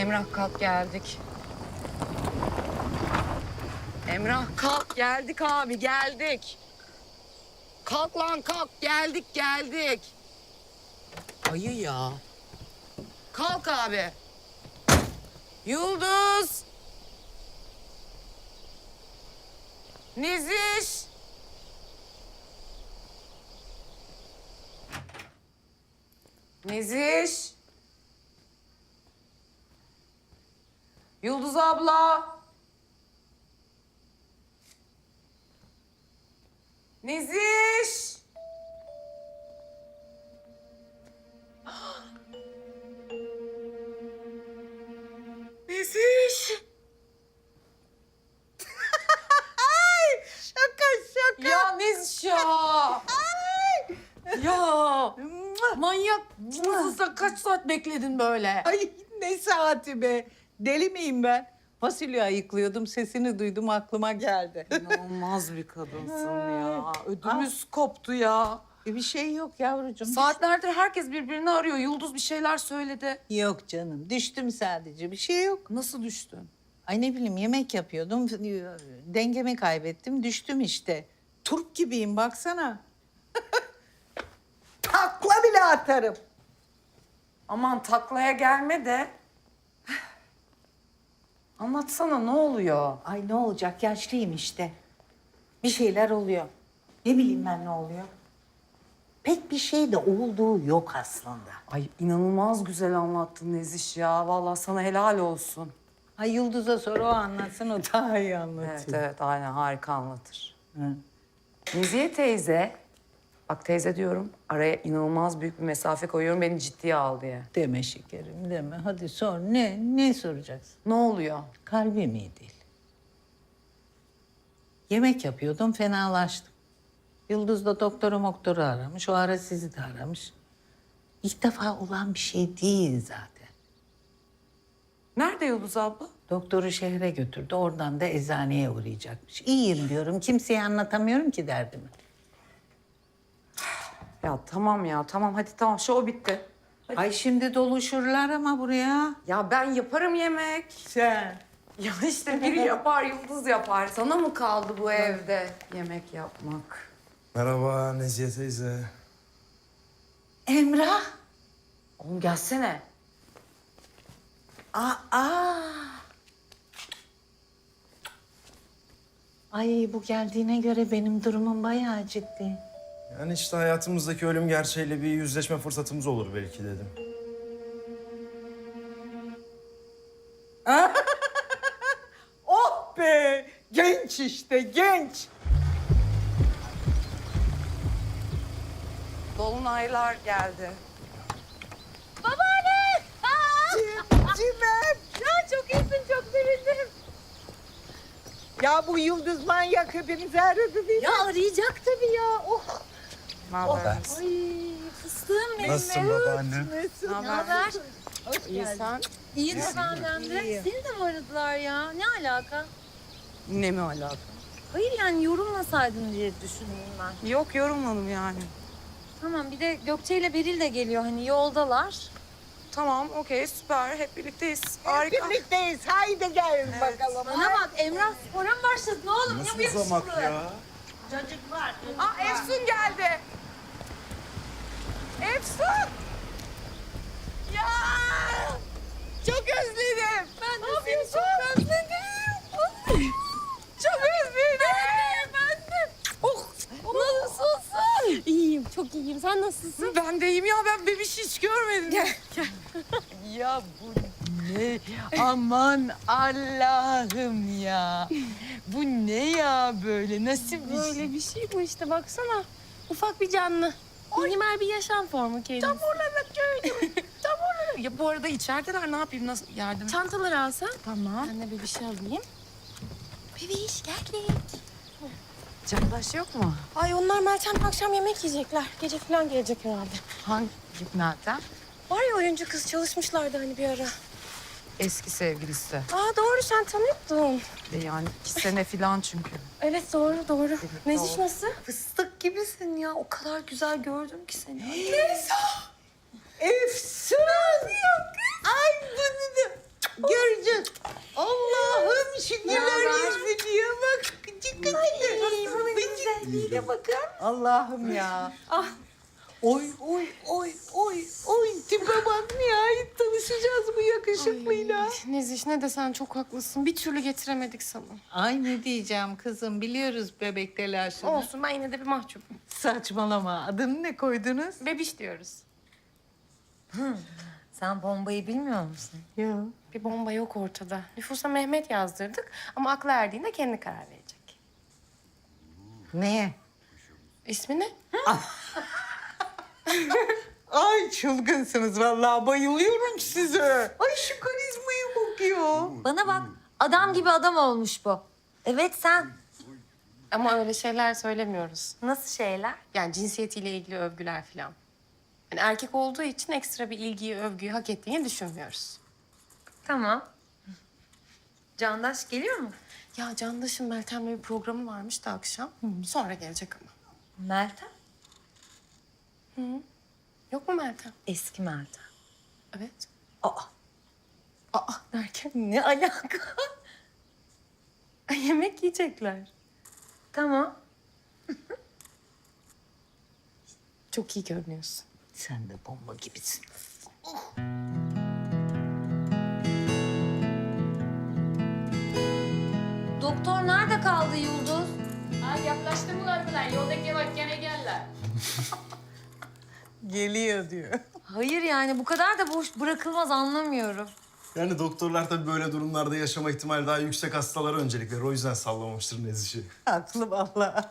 Emrah kalk geldik. Emrah kalk geldik abi geldik. Kalk lan kalk geldik. Ayı ya. Kalk abi. Yıldız. Neziş. Neziş. Yıldız abla. Neziş. Neziş. Şaka. Ya Neziş ya. Ya. Manyak mısın sen? Kaç saat bekledin böyle? Ay ne saati be. Deli miyim ben? Fasulye ayıklıyordum, sesini duydum, aklıma geldi. İnanılmaz bir kadınsın ya. Ödümüz koptu ya. Bir şey yok yavrucuğum. Saatlerdir herkes birbirini arıyor. Yıldız bir şeyler söyledi. Yok canım, düştüm sadece. Bir şey yok. Nasıl düştün? Ay ne bileyim, yemek yapıyordum. Dengemi kaybettim, düştüm işte. Turp gibiyim, baksana. Takla bile atarım. Aman taklaya gelme de. Anlatsana ne oluyor? Ay ne olacak, yaşlıyım işte. Bir şeyler oluyor. Ne bileyim ben ne oluyor. Pek bir şey de olduğu yok aslında. Ay inanılmaz güzel anlattın Neziş ya. Vallahi sana helal olsun. Ay Yıldız'a sor, o anlatsın, o daha iyi anlatıyor. Evet aynen harika anlatır. Hı. Nezihe teyze, bak teyze diyorum araya inanılmaz büyük bir mesafe koyuyorum beni ciddiye al diye. Deme şekerim, deme. Hadi sor. Ne soracaksın? Ne oluyor? Kalbim iyi değil. Yemek yapıyordum, fenalaştım. Yıldız da doktoru aramış. O ara sizi de aramış. İlk defa olan bir şey değil zaten. Nerede Yıldız abla? Doktoru şehre götürdü. Oradan da eczaneye uğrayacakmış. İyiyim diyorum. Kimseye anlatamıyorum ki derdimi. Ya tamam hadi tamam şov bitti. Ay şimdi doluşurlar ama buraya. Ya ben yaparım yemek. Sen. Ya işte biri yapar Yıldız yapar. Sana mı kaldı bu evde yemek yapmak? Merhaba Nezihe teyze. Emrah. Oğlum gelsene. Aa. Ay bu geldiğine göre benim durumum bayağı ciddi. Yani işte hayatımızdaki ölüm gerçeğiyle bir yüzleşme fırsatımız olur belki dedim. Oh be! Genç işte, genç. Dolunaylar geldi. Cimem. Ya çok iyisin, çok sevindim. Ya bu Yıldız manyak hepimizi aradı değil mi? Ya arayacak tabii ya. Oh. Ne haber? Ay fıstığım benim. Nasılsın babaannem? Ne Ne haber? İyi sen? İyi de benden de. İyiyim. Seni de mi aradılar ya? Ne alaka? Ne mi alaka? Hayır yani yorulmasaydın diye düşündüm ben. Yok yorulmadım yani. Tamam bir de Gökçe ile Beril de geliyor hani yoldalar. Tamam okey süper hep birlikteyiz. Harika. Birlikteyiz. Haydi gelin bakalım. Bana bak Emrah spora mı başladın oğlum? Nasıl Ne bu uzamak yakışıklı? ya? Aa Efsun geldi. Efsun! Ya! Çok özledim. Ben de seni çok özledim. Çok özledim. Ben de. Oh, nasılsın? İyiyim, çok iyiyim. Sen nasılsın? Ben de iyiyim ya ben bebiş hiç görmedim. Ya bu ne? Aman Allah'ım ya. Bu ne ya böyle? Nasıl bir şey? Böyle bir şey bu işte baksana. Ufak bir canlı. Minimal bir yaşam formu kendisi. Tam olarak öyle. Tam olarak. Ya bu arada içerideler ne yapayım nasıl yardım? Çantaları alsan. Tamam. Ben de bir şey alayım. Bebiş geldik. Candaş yok mu? Ay onlar Meltem'le akşam yemek yiyecekler. Gece falan gelecek herhalde. Hangi Meltem? Var ya oyuncu kız çalışmışlardı hani bir ara. Eski sevgilisi. Aa doğru sen tanıyordun. Yani 2 sene falan çünkü. Evet doğru. Neziş nasıl? Fıstık gibisin ya. O kadar güzel gördüm ki seni. Efsun! Ay bunu da... Ya bakın. Allah'ım ya. Ah. Oy oy oy oy oy. Tipe bak, nihayet tanışacağız bu yakışıklıyla. Neziş ne desen çok haklısın. Bir türlü getiremedik sana. Ay ne diyeceğim kızım, biliyoruz bebek telaşını. Olsun ben yine de bir mahcubum. Saçmalama. Adını ne koydunuz? Bebiş diyoruz. Sen bombayı bilmiyor musun? Ya. Bir bomba yok ortada. Nüfusa Mehmet yazdırdık ama aklı erdiğinde kendi karar verecek. Neye? İsmi ne? Ay çılgınsınız vallahi, bayılıyorum size. Ay şu karizmaya bakıyor. Bana bak, adam gibi adam olmuş bu. Evet sen. Ama öyle şeyler söylemiyoruz. Nasıl şeyler? Yani cinsiyetiyle ilgili övgüler falan. Yani erkek olduğu için ekstra bir ilgiyi, övgüyü hak ettiğini düşünmüyoruz. Tamam. Candaş geliyor mu? Ya Candaş'ın Meltem'le bir programı varmış da akşam. Sonra gelecek ama. Meltem. Yok mu Meltem? Eski Meltem. Evet. Aa, Aa derken ne alaka? yemek yiyecekler. Tamam. Çok iyi görünüyorsun. Sen de bomba gibisin. Doktor nerede kaldı Yıldız? Ha yaklaştı mı lan? Yoldaki bak gene geldiler. Geliyor diyor. Hayır yani bu kadar da boş bırakılmaz, anlamıyorum. Yani doktorlar tabii böyle durumlarda yaşama ihtimali daha yüksek hastalara öncelik verir. O yüzden sallamamıştır Nezih'i. Haklı vallahi.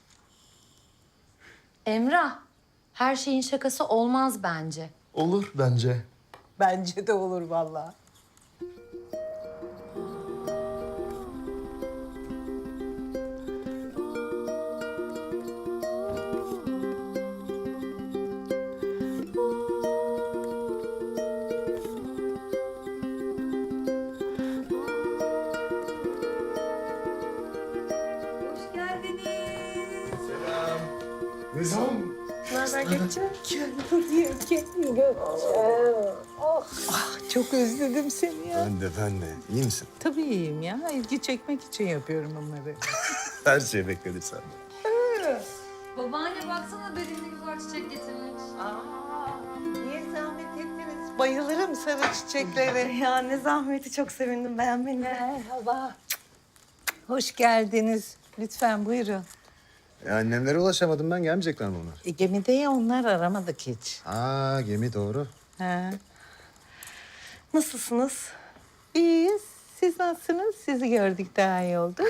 Emrah, her şeyin şakası olmaz bence. Olur bence. Bence de olur vallahi. Hoş geldiniz. Nizam. Ne haber Gökçe? Çok özledim seni ya. Ben de. İyi misin? Tabii iyiyim ya. İlgi çekmek için yapıyorum bunları. Her şey bekledik senden. Babaanne baksana dedin ne güzel çiçek getirmiş. Niye zahmet ettiniz? Bayılırım sarı çiçeklere. Ya ne zahmeti, çok sevindim beğenmeni. Merhaba. Hoş geldiniz. Lütfen buyurun. Annemlere ulaşamadım ben. Gelmeyecekler mi onlar? Gemide ya, onlar aramadık hiç. Aa, gemi doğru. Ha. Nasılsınız? İyiyiz. Siz nasılsınız? Sizi gördük, daha iyi olduk.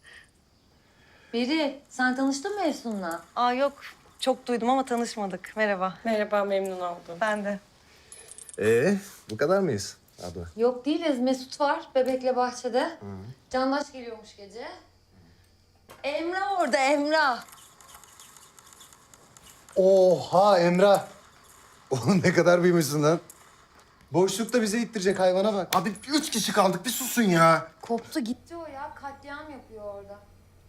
Beri, sen tanıştın mı Efsun'la? Aa yok. Çok duydum ama tanışmadık. Merhaba. Merhaba memnun oldum. Ben de. Bu kadar mıyız abla? Yok değiliz. Mesut var bebekle bahçede. Candaş geliyormuş gece. Emrah orada, Emrah. Oha Emrah! Oğlum ne kadar büyümüşsün lan. Boşlukta bize ittirecek, hayvana bak. Abi 3 kişi kaldık bir susun ya. Koptu gitti o ya. Katliam yapıyor orada.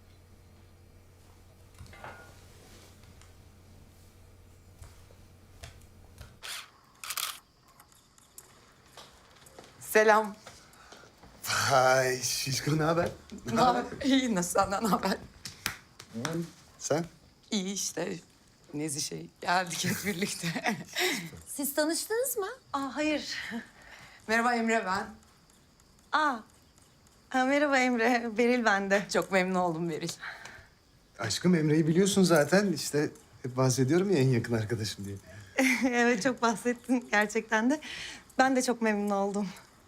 Selam. Ay şişko, ne haber? Ne haber? İyi, nasıl, senden ne haber? Sen? İyi işte. Nezih geldik hep birlikte. Siz tanıştınız mı? Aa hayır. Merhaba Emre ben. Aa. Ha, merhaba Emre. Beril ben de. Çok memnun oldum Beril. Aşkım Emre'yi biliyorsun zaten. İşte hep bahsediyorum ya en yakın arkadaşım diye. Evet çok bahsettin gerçekten de. Ben de çok memnun oldum.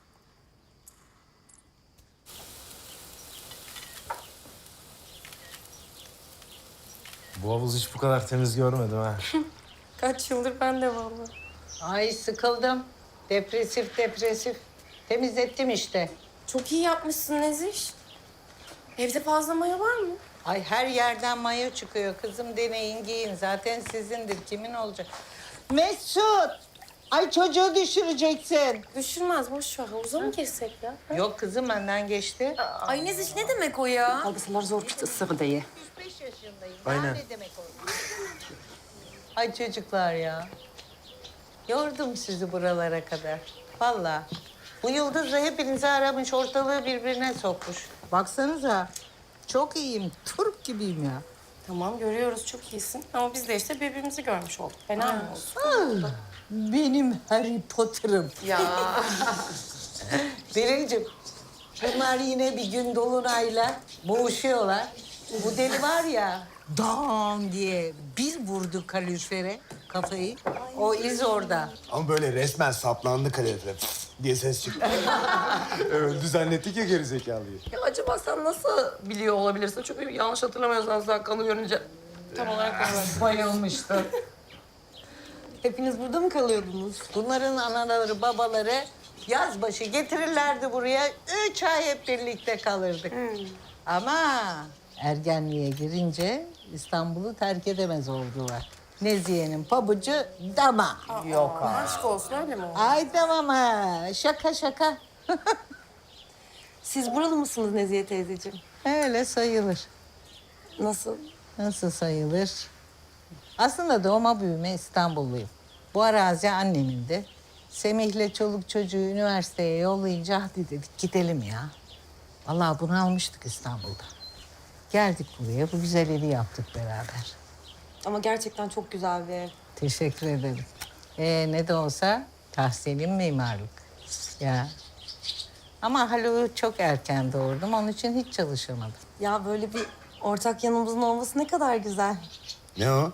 Bu havuz hiç bu kadar temiz görmedim ha. Kaç yıldır ben de vallahi. Ay sıkıldım. Depresif depresif. Temizlettim işte. Çok iyi yapmışsın Neziş. Evde fazla maya var mı? Ay her yerden mayo çıkıyor. Kızım deneyin, giyin. Zaten sizindir. Kimin olacak? Mesut! Ay çocuğu düşüreceksin. Düşürmez boş ver. Havuza mı girsek ya? Yok kızım, benden geçti. Ay Neziş, ne demek o ya? Algısılar zor bir ısır diye. 35 yaşındayım. Aynen. Ne demek o? Ay çocuklar ya. Yordum sizi buralara kadar. Vallahi. Bu Yıldız da hepinizi aramış, ortalığı birbirine sokmuş. Baksanıza. Çok iyiyim. Turp gibiyim ya. Tamam görüyoruz çok iyisin ama biz de işte birbirimizi görmüş olduk. Fena mı oldu? Benim Harry Potter'ım. Ya. Beril'cim, bunlar yine bir gün dolunayla boğuşuyorlar. Bu deli var ya, dam diye bir vurdu kalorifere kafayı. O iz orada. Ama böyle resmen saplandı kalorifer diye ses çıktı. Öldü zannettik ya gerizekalıyı. Ya acaba sen nasıl biliyor olabilirsin? Çünkü yanlış hatırlamıyorsan sen kanı görünce Tam olarak öyle. bayılmıştın. Hepiniz burada mı kalıyordunuz? Bunların anaları, babaları yaz başı getirirlerdi buraya. 3 ay hep birlikte kalırdık. Ama ergenliğe girince İstanbul'u terk edemez oldular. Nezihe'nin pabucu dama. Yok abi. Aşk olsun öyle mi oldu? Ay tamam ha. Şaka şaka. Siz buralı mısınız Nezihe teyzeciğim? Öyle sayılır. Nasıl? Nasıl sayılır? Aslında doğma büyüme İstanbulluyum. Bu arazi annemindi. Semih'le çoluk çocuğu üniversiteye yollayınca hadi dedik gidelim ya. Vallahi bunu almıştık İstanbul'da. Geldik buraya, bu güzel evi yaptık beraber. Ama gerçekten çok güzel bir ev. Teşekkür ederim. Ne de olsa tahsilim mimarlık. Ya. Ama Haluk'u çok erken doğurdum, onun için hiç çalışamadım. Ya böyle bir ortak yanımızın olması ne kadar güzel. Ne o?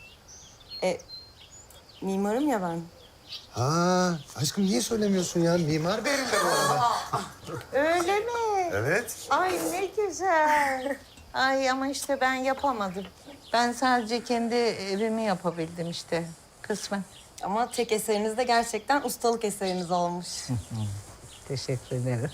Mimarım ya ben. Ha, aşkım niye söylemiyorsun ya? Mimar Bey'in de bu arada. Öyle mi? Evet. Ay ne güzel. Ay ama işte ben yapamadım. Ben sadece kendi evimi yapabildim işte kısmen. Ama tek eseriniz de gerçekten ustalık eseriniz olmuş. Teşekkür ederim.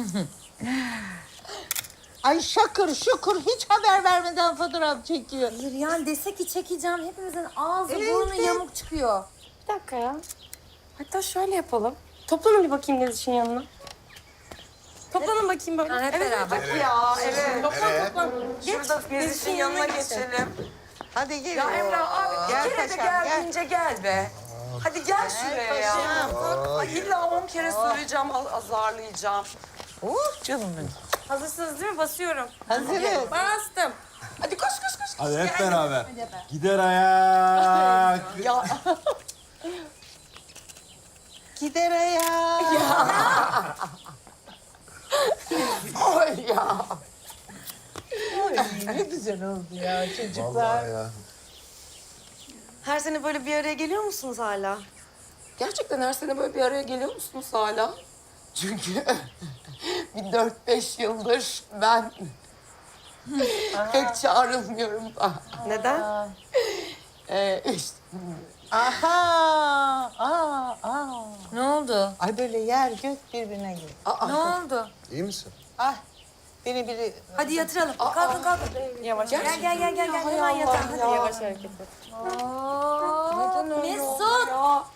Ay şakır şukur hiç haber vermeden fotoğraf çekiyor. Hayır yani dese ki çekeceğim hepimizin ağzı Evet. burnu yamuk çıkıyor. Bir dakika ya. Hatta şöyle yapalım. Toplanın bir bakayım Neziş'in yanına. Toplanın bakayım böyle. Yani hep beraber. Ya evet. Toplan toplan. Şurada Nezih'in yanına geçelim. Hadi gel. Ya Emrah abi Gel bir kere de paşam, gel. geldiğince gel be. Hadi gel şuraya ya. Ay illa 10 kere söyleyeceğim, azarlayacağım. Oh canım benim. Hazırsınız değil mi? Basıyorum. Hazırız. Bastım. Hadi koş koş koş. Hadi hep beraber. Gider ayak. Ya Gider ayağa. oy ya. Ne güzel oldu ya çocuklar. Vallahi ya. Her sene böyle bir araya geliyor musunuz hala? Gerçekten her sene böyle bir araya geliyor musunuz hala? Çünkü bir 4-5 yıldır ben pek çağrılmıyorum da. Neden? İşte Aha. Ne oldu? Ay böyle yer gök birbirine giriyor. Ne oldu? İyi misin? Ah biri Hadi yatıralım. Kalkın kalkın. Yavaş. Gel. Hemen yatalım. Hadi. Yavaş hareket et. Mesut.